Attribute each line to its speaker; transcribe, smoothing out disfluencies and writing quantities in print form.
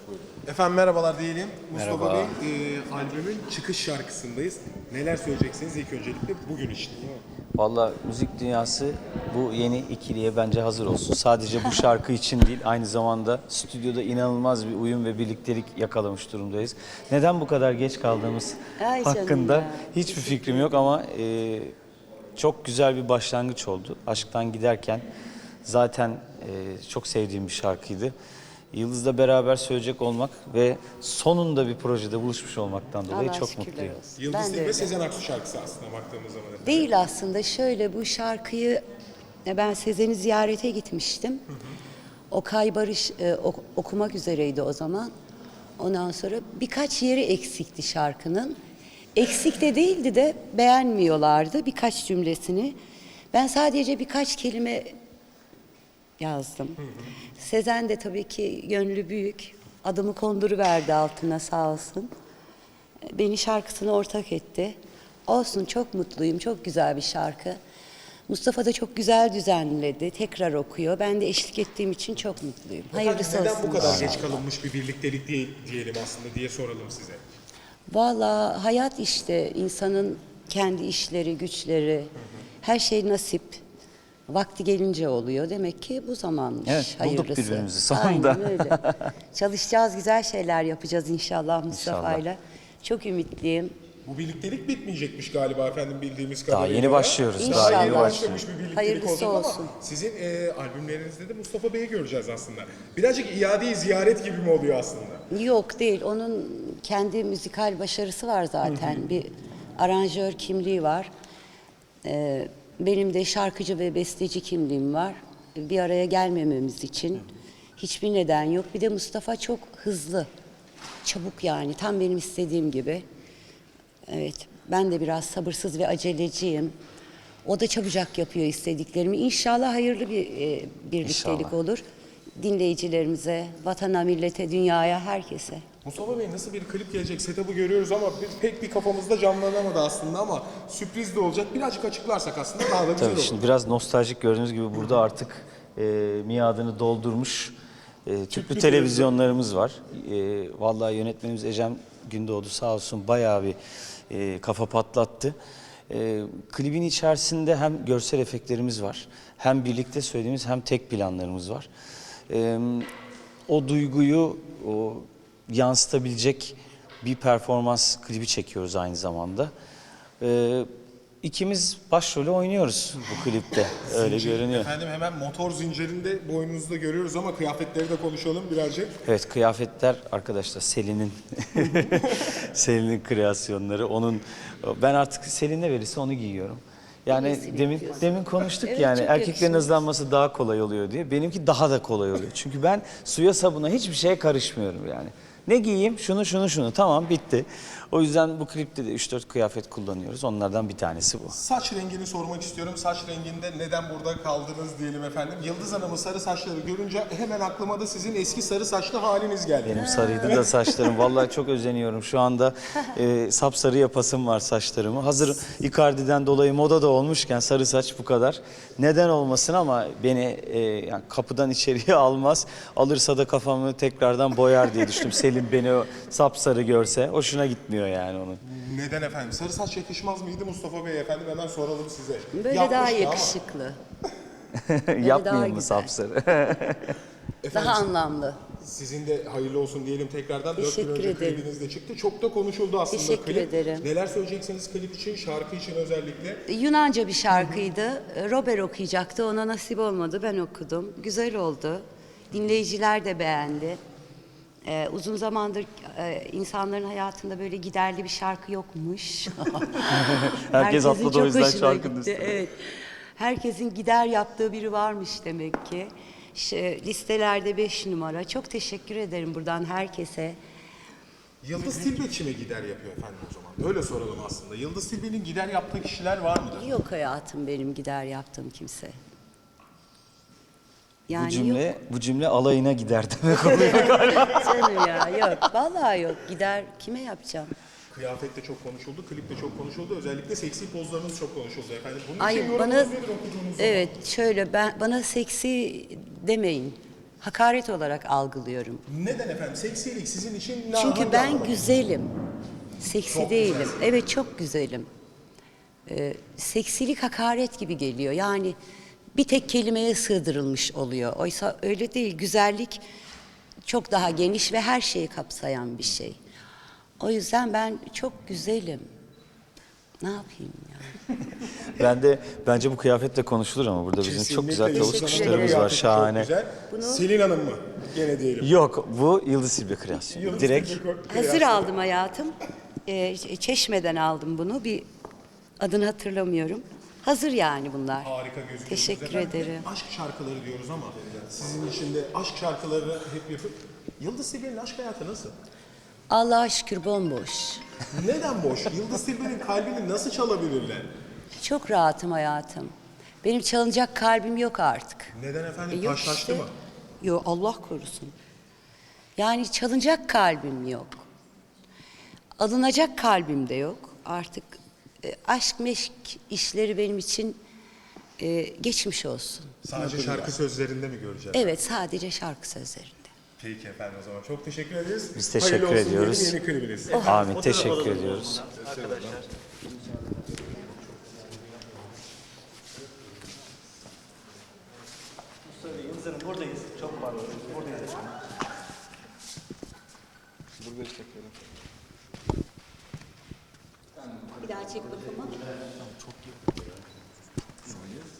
Speaker 1: Efendim merhabalar diyelim. Mustafa
Speaker 2: Merhaba.
Speaker 1: Bey, albümün çıkış şarkısındayız. Neler söyleyeceksiniz ilk öncelikle bugün için?
Speaker 2: Valla müzik dünyası bu yeni ikiliye bence hazır olsun. Sadece bu şarkı için değil, aynı zamanda stüdyoda inanılmaz bir uyum ve birliktelik yakalamış durumdayız. Neden bu kadar geç kaldığımız
Speaker 3: Ay canım
Speaker 2: hakkında
Speaker 3: ya.
Speaker 2: hiçbir fikrim yok ama çok güzel bir başlangıç oldu. Aşktan giderken zaten çok sevdiğim bir şarkıydı. Yıldız'la beraber söyleyecek olmak ve sonunda bir projede buluşmuş olmaktan dolayı
Speaker 3: Allah
Speaker 2: çok
Speaker 3: şükürler
Speaker 2: mutluyum.
Speaker 3: olsun.
Speaker 1: Yıldız
Speaker 3: Ben de
Speaker 1: Tilbe
Speaker 3: öyle.
Speaker 1: Sezen Aksu şarkısı aslında baktığımız zaman. Efendim.
Speaker 3: Değil aslında, şöyle bu şarkıyı ben Sezen'i ziyarete gitmiştim. Okay Barış okumak üzereydi o zaman. Ondan sonra birkaç yeri eksikti şarkının. Eksik de değildi de beğenmiyorlardı birkaç cümlesini. Ben sadece birkaç kelime yazdım. Sezen de tabii ki gönlü büyük. Adımı konduruverdi altına, sağ olsun. Beni şarkısına ortak etti. Olsun, çok mutluyum. Çok güzel bir şarkı. Mustafa da çok güzel düzenledi. Tekrar okuyor. Ben de eşlik ettiğim için çok mutluyum. Hayırlısı
Speaker 1: Efendim,
Speaker 3: olsun.
Speaker 1: neden bu kadar
Speaker 3: inşallah.
Speaker 1: geç kalınmış bir birliktelik diyelim aslında diye soralım size.
Speaker 3: Vallahi hayat işte, insanın kendi işleri, güçleri, her şey nasip. Vakti gelince oluyor. Demek ki bu zamanmış.
Speaker 2: Evet, bulduk
Speaker 3: hayırlısı.
Speaker 2: birbirimizi sonunda.
Speaker 3: Aynen öyle. Çalışacağız, güzel şeyler yapacağız inşallah Mustafa'yla. Çok ümitliyim.
Speaker 1: Bu birliktelik bitmeyecekmiş galiba efendim bildiğimiz
Speaker 2: Daha
Speaker 1: kadarıyla.
Speaker 2: yeni başlıyoruz.
Speaker 3: İnşallah.
Speaker 2: Daha yeni
Speaker 3: İnşallah.
Speaker 2: başlıyoruz.
Speaker 1: Başlamış bir birliktelik
Speaker 3: Hayırlısı
Speaker 1: olacak
Speaker 3: olsun.
Speaker 1: ama sizin albümlerinizde de Mustafa Bey'i göreceğiz aslında. Birazcık iade-i ziyaret gibi mi oluyor aslında?
Speaker 3: Yok değil. Onun kendi müzikal başarısı var zaten. Bir aranjör kimliği var. Benim de şarkıcı ve besteci kimliğim var. Bir araya gelmememiz için hiçbir neden yok. Bir de Mustafa çok hızlı, çabuk yani. Tam benim istediğim gibi. Evet, ben de biraz sabırsız ve aceleciyim. O da çabucak yapıyor istediklerimi. İnşallah hayırlı bir birliktelik
Speaker 2: İnşallah.
Speaker 3: olur. Dinleyicilerimize, vatana, millete, dünyaya, herkese.
Speaker 1: Mustafa Bey nasıl bir klip gelecek setup'ı görüyoruz ama pek bir kafamızda canlanamadı aslında ama sürpriz de olacak. Birazcık açıklarsak aslında daha da güzel
Speaker 2: Tabii
Speaker 1: olur.
Speaker 2: şimdi biraz nostaljik gördüğünüz gibi burada artık miadını doldurmuş tüplü televizyonlarımız var. Vallahi yönetmenimiz Ecem Gündoğdu sağ olsun bayağı bir kafa patlattı. Klibin içerisinde hem görsel efektlerimiz var, hem birlikte söylediğimiz hem tek planlarımız var. O duyguyu yansıtabilecek bir performans klibi çekiyoruz aynı zamanda. İkimiz başrolü oynuyoruz bu klipte. Öyle görünüyor.
Speaker 1: Efendim hemen motor zincirinde boynunuzda görüyoruz ama kıyafetleri de konuşalım birazcık.
Speaker 2: Evet, kıyafetler arkadaşlar Selin'in Selin'in kreasyonları. Ben artık Selin ne verirse onu giyiyorum. Yani
Speaker 3: İyisini
Speaker 2: demin
Speaker 3: yapıyorsun.
Speaker 2: konuştuk
Speaker 3: Evet,
Speaker 2: yani
Speaker 3: çok
Speaker 2: erkeklerin
Speaker 3: yakışıyor.
Speaker 2: hızlanması daha kolay oluyor diye. Benimki daha da kolay oluyor. Çünkü ben suya sabuna hiçbir şeye karışmıyorum yani. Ne giyeyim? Şunu. Tamam, bitti. O yüzden bu klipte de 3-4 kıyafet kullanıyoruz. Onlardan bir tanesi bu.
Speaker 1: Saç rengini sormak istiyorum. Saç renginde neden burada kaldınız diyelim efendim. Yıldız Hanım'ın sarı saçları görünce hemen aklıma da sizin eski sarı saçlı haliniz geldi.
Speaker 2: Benim sarıydı da saçlarım. Vallahi çok özeniyorum. Şu anda sapsarı yapasım var saçlarımı. Hazır Icardi'den dolayı moda da olmuşken sarı saç bu kadar. Neden olmasın ama beni yani kapıdan içeriye almaz. Alırsa da kafamı tekrardan boyar diye düşündüm. Selim beni o sapsarı görse hoşuna gitmiyor yani onun.
Speaker 1: Neden efendim? Sarı saç yakışmaz mıydı Mustafa Bey efendim? Hemen soralım size.
Speaker 3: Böyle
Speaker 1: Yapmıştı
Speaker 3: daha
Speaker 1: ama.
Speaker 3: yakışıklı,
Speaker 2: Yapmayayım
Speaker 3: daha
Speaker 2: mı
Speaker 3: güzel.
Speaker 2: sapsarı?
Speaker 1: Efendim,
Speaker 3: daha anlamlı.
Speaker 1: sizin de hayırlı olsun diyelim tekrardan. 4 gün
Speaker 3: Teşekkür
Speaker 1: önce
Speaker 3: ederim.
Speaker 1: klibiniz de çıktı. Çok da konuşuldu aslında
Speaker 3: Teşekkür
Speaker 1: klip.
Speaker 3: ederim.
Speaker 1: Neler söyleyeceksiniz klip için, şarkı için özellikle?
Speaker 3: Yunanca bir şarkıydı. Robert okuyacaktı. Ona nasip olmadı. Ben okudum. Güzel oldu. Dinleyiciler de beğendi. Uzun zamandır insanların hayatında böyle giderli bir şarkı yokmuş.
Speaker 2: Herkes
Speaker 3: Herkesin
Speaker 2: atladı o
Speaker 3: çok
Speaker 2: yüzden
Speaker 3: hoşuna
Speaker 2: şarkının
Speaker 3: gitti.
Speaker 2: üstüne.
Speaker 3: Evet. Herkesin gider yaptığı biri varmış demek ki. Listelerde 5 numara. Çok teşekkür ederim buradan herkese.
Speaker 1: Yıldız Tilbe kime gider yapıyor efendim o zaman? Öyle soralım aslında. Yıldız Tilbe'nin gider yaptığı kişiler var mıdır?
Speaker 3: Yok hayatım benim gider yaptığım kimse. Yani
Speaker 2: Bu cümle alayına gider demek oluyor.
Speaker 3: yok canım ya, yok. Vallahi yok. Gider kime yapacağım?
Speaker 1: Kıyafet de çok konuşuldu, klip de çok konuşuldu. Özellikle seksi pozlarınız çok konuşuldu efendim. Bunun için
Speaker 3: Ay
Speaker 1: yorumunuz
Speaker 3: bana
Speaker 1: nedir okuduğunuz zaman?
Speaker 3: evet şöyle bana seksi demeyin. hakaret olarak algılıyorum.
Speaker 1: Neden efendim? Seksilik sizin için ne
Speaker 3: Çünkü
Speaker 1: hangi
Speaker 3: ben
Speaker 1: anlamda?
Speaker 3: güzelim. Seksi
Speaker 1: Çok
Speaker 3: değilim.
Speaker 1: güzelsin.
Speaker 3: Evet, çok güzelim. Seksilik hakaret gibi geliyor. Yani bir tek kelimeye sığdırılmış oluyor. Oysa öyle değil. Güzellik çok daha geniş ve her şeyi kapsayan bir şey. O yüzden ben çok güzelim. Ne yapayım ya?
Speaker 2: Bence bu kıyafetle konuşulur ama burada bizim çok
Speaker 1: Kesinlikle
Speaker 2: güzel tavuk
Speaker 1: Yıldız Hanım'ın
Speaker 2: kuşlarımız var,
Speaker 1: kıyafeti çok
Speaker 2: şahane.
Speaker 1: güzel.
Speaker 3: Bunu-
Speaker 1: Selin Hanım mı? Gene diyelim.
Speaker 2: Yok, bu Yıldız Silbe kreasyonu.
Speaker 1: Yıldız
Speaker 2: Direkt
Speaker 1: Tilbe
Speaker 3: Hazır aldım hayatım. Çeşme'den aldım bunu. Bir adını hatırlamıyorum. Hazır yani bunlar.
Speaker 1: Harika gözüküyor.
Speaker 3: Teşekkür ederim.
Speaker 1: Aşk şarkıları diyoruz ama sizin için de aşk şarkıları hep yapıp Yıldız Tilbe'nin aşk hayatı nasıl?
Speaker 3: Allah'a şükür bomboş.
Speaker 1: Neden boş? Yıldız Tilbe'nin kalbini nasıl çalabilirler?
Speaker 3: Çok rahatım hayatım. Benim çalınacak kalbim yok artık.
Speaker 1: Neden efendim?
Speaker 3: Yok
Speaker 1: Taşlaştı
Speaker 3: işte.
Speaker 1: mı?
Speaker 3: Yok, Allah korusun. Yani çalınacak kalbim yok. Alınacak kalbim de yok. Artık aşk meşk işleri benim için geçmiş olsun.
Speaker 1: Sadece şarkı sözlerinde mi göreceğiz?
Speaker 3: Evet, sadece şarkı sözlerinde.
Speaker 1: Peki efendim, o zaman çok teşekkür ederiz.
Speaker 2: Biz teşekkür
Speaker 1: Hayırlı olsun
Speaker 2: ediyoruz.
Speaker 1: diyelim, yeni klibiniz.
Speaker 2: Amin, teşekkür ediyoruz.
Speaker 4: Yıldız Hanım buradayız. Çok pardon. Buradayız.
Speaker 3: Bir daha çek bakalım.